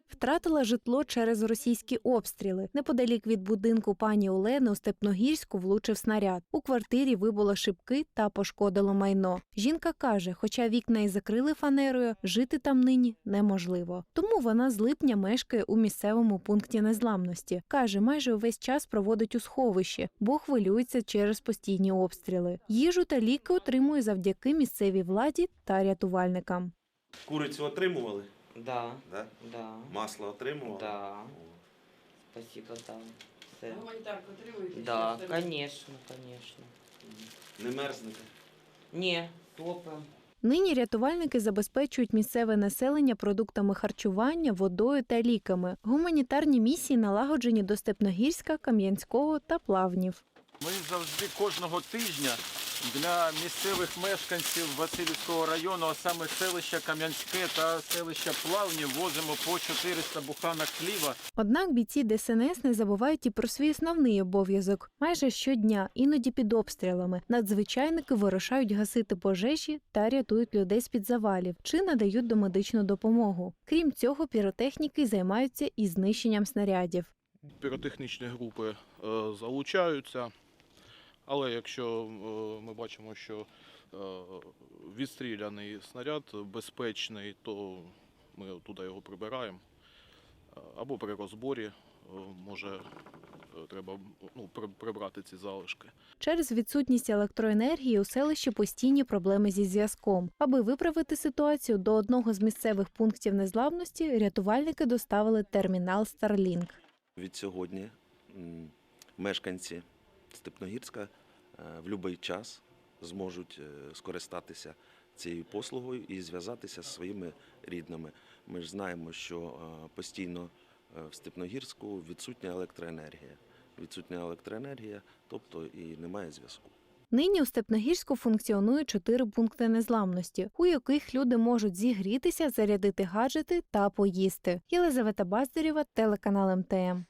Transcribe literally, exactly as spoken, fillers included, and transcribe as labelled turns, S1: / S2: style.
S1: Втратила житло через російські обстріли. Неподалік від будинку пані Олени у Степногірську влучив снаряд. У квартирі вибуло шибки та пошкодило майно. Жінка каже, хоча вікна і закрили фанерою, жити там нині неможливо. Тому вона з липня мешкає у місцевому пункті незламності. Каже, майже увесь час проводить у сховищі, бо хвилюється через постійні обстріли. Їжу та ліки отримує завдяки місцевій владі та рятувальникам.
S2: Курицю отримували?
S3: Да.
S2: Да?
S3: Да.
S2: Масло отримували?
S3: Да. Спасибо, да. Все.
S4: Гуманітарку отримуєте?
S3: Да, конечно, конечно.
S2: Не мерзнете?
S3: Не, топим.
S1: Нині рятувальники забезпечують місцеве населення продуктами харчування, водою та ліками. Гуманітарні місії налагоджені до Степногірська, Кам'янського та Плавнів.
S5: Ми завжди кожного тижня для місцевих мешканців Василівського району, а саме селища Кам'янське та селища Плавні, возимо по чотириста буханок хліба.
S1: Однак бійці Де Ес Ен Ес не забувають і про свій основний обов'язок. Майже щодня, іноді під обстрілами, надзвичайники вирушають гасити пожежі та рятують людей з-під завалів чи надають домедичну допомогу. Крім цього, піротехніки займаються і знищенням снарядів.
S5: Піротехнічні групи е, залучаються, але якщо е, ми бачимо, що е, відстріляний снаряд безпечний, то ми туди його прибираємо. Або при розборі е, може е, треба ну, прибрати ці залишки.
S1: Через відсутність електроенергії у селищі постійні проблеми зі зв'язком. Аби виправити ситуацію, до одного з місцевих пунктів незламності рятувальники доставили термінал Starlink.
S2: Від сьогодні м, мешканці Степногірська е, в будь-який час зможуть е, скористатися цією послугою і зв'язатися зі своїми рідними. Ми ж знаємо, що е, постійно е, в Степногірську відсутня електроенергія. Відсутня електроенергія, тобто і немає зв'язку.
S1: Нині у Степногірську функціонує чотири пункти незламності, у яких люди можуть зігрітися, зарядити гаджети та поїсти. Єлизавета Баздарєва, телеканал Ем Те Ем.